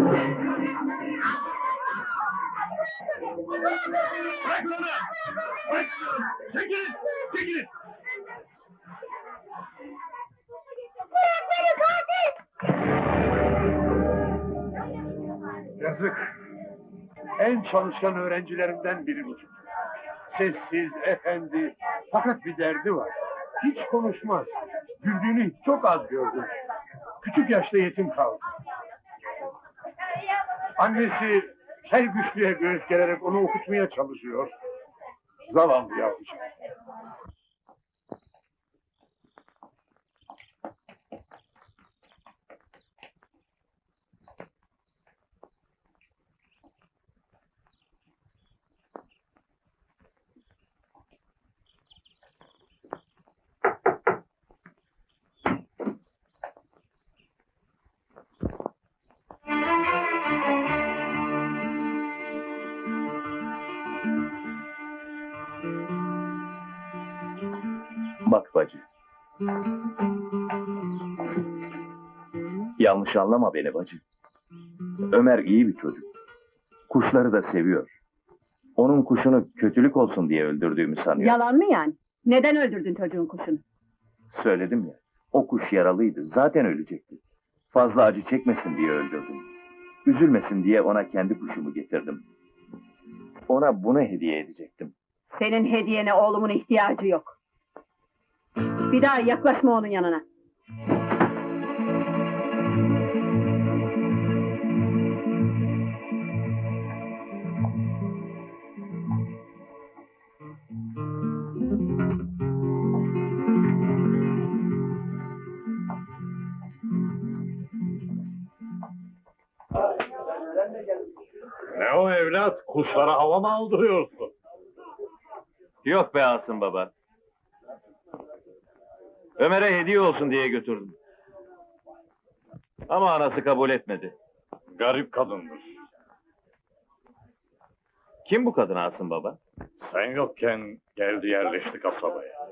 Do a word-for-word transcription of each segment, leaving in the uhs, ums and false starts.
Bırakın onu! Bırak! Çekilin! Çekilin! Bırak beni katil! Yazık. En çalışkan öğrencilerimden biri bu çocuk. Sessiz, efendi, fakat bir derdi var. Hiç konuşmaz. Güldüğünü çok az gördüm. Küçük yaşta yetim kaldı. Annesi her güçlüğe göğüs gererek onu okutmaya çalışıyor. Zavallı yavrucak. Bak bacı. Yanlış anlama beni bacı. Ömer iyi bir çocuk. Kuşları da seviyor. Onun kuşunu kötülük olsun diye öldürdüğümü sanıyor. Yalan mı yani? Neden öldürdün çocuğun kuşunu? Söyledim ya. O kuş yaralıydı. Zaten ölecekti. Fazla acı çekmesin diye öldürdüm. Üzülmesin diye ona kendi kuşumu getirdim. Ona bunu hediye edecektim. Senin hediyene oğlumun ihtiyacı yok. Bir daha yaklaşma onun yanına. Ne o evlat? Kuşlara hava mı aldırıyorsun? Yok be Asım baba. Ömer'e hediye olsun diye götürdüm. Ama anası kabul etmedi. Garip kadındır. Kim bu kadın Asım baba? Sen yokken geldi yerleşti kasabaya.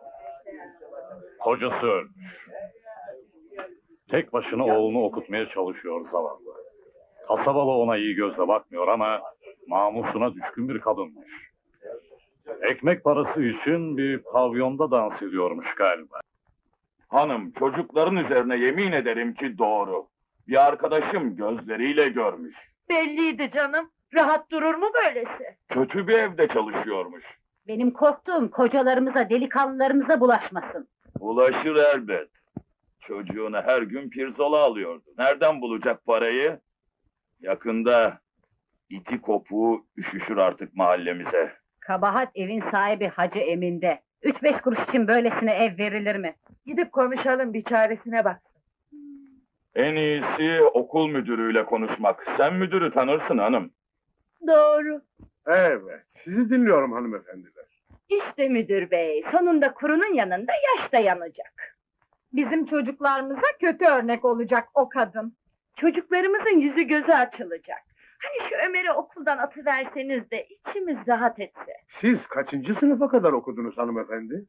Kocası ölmüş. Tek başına oğlunu okutmaya çalışıyor zavallı. Kasabalı ona iyi gözle bakmıyor ama namusuna düşkün bir kadınmış. Ekmek parası için bir pavyonda dans ediyormuş galiba. Hanım, çocukların üzerine yemin ederim ki doğru. Bir arkadaşım gözleriyle görmüş. Belliydi canım. Rahat durur mu böylesi? Kötü bir evde çalışıyormuş. Benim korktuğum kocalarımıza, delikanlılarımıza bulaşmasın. Ulaşır elbet. Çocuğuna her gün pirzola alıyordu. Nereden bulacak parayı? Yakında iti kopuğu üşüşür artık mahallemize. Kabahat evin sahibi Hacı Emin'de. Üç beş kuruş için böylesine ev verilir mi? Gidip konuşalım, bir çaresine baksın. En iyisi okul müdürüyle konuşmak. Sen müdürü tanırsın hanım. Doğru. Evet, sizi dinliyorum hanımefendiler. İşte müdür bey, sonunda kurunun yanında yaş da yanacak. Bizim çocuklarımıza kötü örnek olacak o kadın. Çocuklarımızın yüzü gözü açılacak. Hani şu Ömer'i okuldan atıverseniz de içimiz rahat etse. Siz kaçıncı sınıfa kadar okudunuz hanımefendi?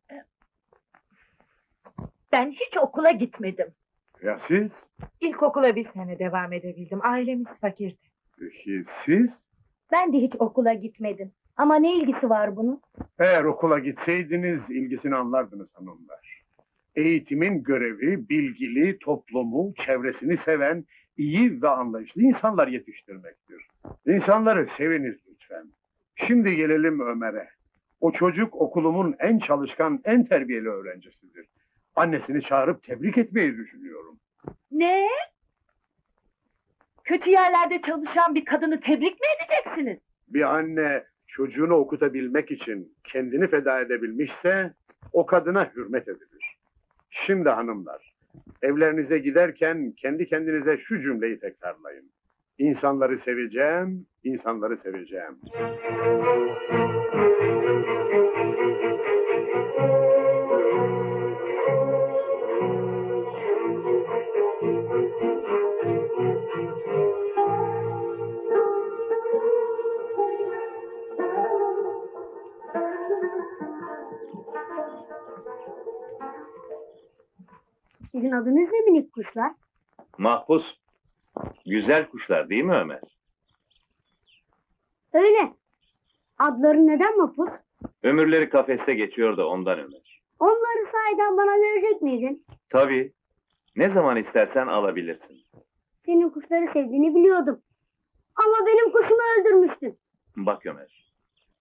Ben hiç okula gitmedim. Ya siz? İlkokula bir sene devam edebildim. Ailemiz fakirdi. Peki siz? Ben de hiç okula gitmedim. Ama ne ilgisi var bunun? Eğer okula gitseydiniz ilgisini anlardınız hanımlar. Eğitimin görevi bilgili, toplumu, çevresini seven, iyi ve anlayışlı insanlar yetiştirmektir. İnsanları seviniz lütfen. Şimdi gelelim Ömer'e. O çocuk okulumun en çalışkan, en terbiyeli öğrencisidir. Annesini çağırıp tebrik etmeyi düşünüyorum. Ne? Kötü yerlerde çalışan bir kadını tebrik mi edeceksiniz? Bir anne çocuğunu okutabilmek için kendini feda edebilmişse o kadına hürmet edilir. Şimdi hanımlar, evlerinize giderken kendi kendinize şu cümleyi tekrarlayın. İnsanları seveceğim, insanları seveceğim. Sizin adınız ne minik kuşlar? Mahpus. Güzel kuşlar değil mi Ömer? Öyle. Adları neden Mapus? Ömürleri kafeste geçiyor da ondan Ömer. Onları sahiden bana verecek miydin? Tabii. Ne zaman istersen alabilirsin. Senin kuşları sevdiğini biliyordum. Ama benim kuşumu öldürmüştün. Bak Ömer.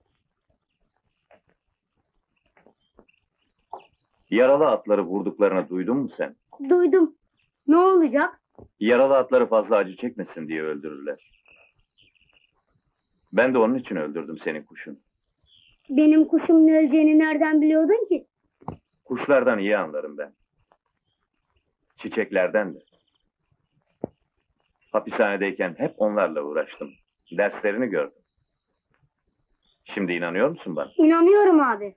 Yaralı atları vurduklarını duydun mu sen? Duydum. Ne olacak? Yaralı atları fazla acı çekmesin diye öldürürler. Ben de onun için öldürdüm senin kuşun. Benim kuşumun öleceğini nereden biliyordun ki? Kuşlardan iyi anlarım ben. Çiçeklerden de. Hapishanedeyken hep onlarla uğraştım. Derslerini gördüm. Şimdi inanıyor musun bana? İnanıyorum abi.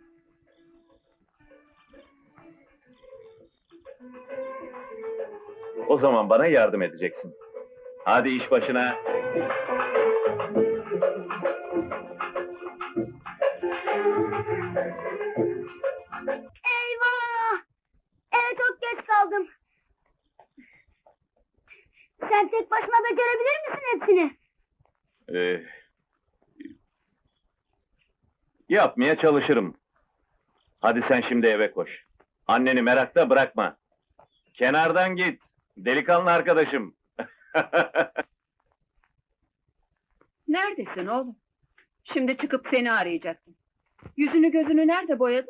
O zaman bana yardım edeceksin. Hadi iş başına. Eyvah! Eve çok geç kaldım. Sen tek başına becerebilir misin hepsini? Ee, yapmaya çalışırım. Hadi sen şimdi eve koş. Anneni merakta bırakma. Kenardan git. Delikanlı arkadaşım. Neredesin oğlum? Şimdi çıkıp seni arayacaktım. Yüzünü gözünü nerede boyadın?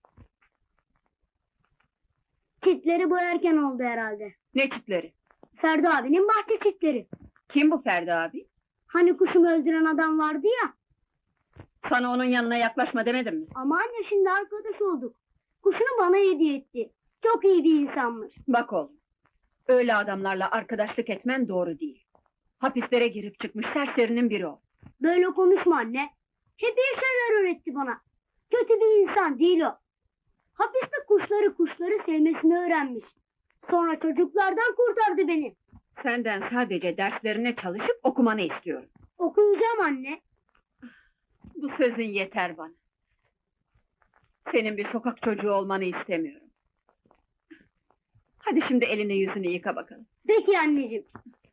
Çitleri boyarken oldu herhalde. Ne çitleri? Ferdi abinin bahçe çitleri. Kim bu Ferdi abi? Hani kuşumu öldüren adam vardı ya. Sana onun yanına yaklaşma demedim mi? Ama anne şimdi arkadaş olduk. Kuşunu bana hediye etti. Çok iyi bir insanmış. Bak oğlum, öyle adamlarla arkadaşlık etmen doğru değil. Hapislere girip çıkmış serserinin biri o. Böyle konuşma anne. Hep iyi şeyler öğretti bana. Kötü bir insan değil o. Hapiste kuşları kuşları sevmesini öğrenmiş. Sonra çocuklardan kurtardı beni. Senden sadece derslerine çalışıp okumanı istiyorum. Okuyacağım anne. Bu sözün yeter bana. Senin bir sokak çocuğu olmanı istemiyorum. Hadi şimdi elini yüzünü yıka bakalım. Peki anneciğim.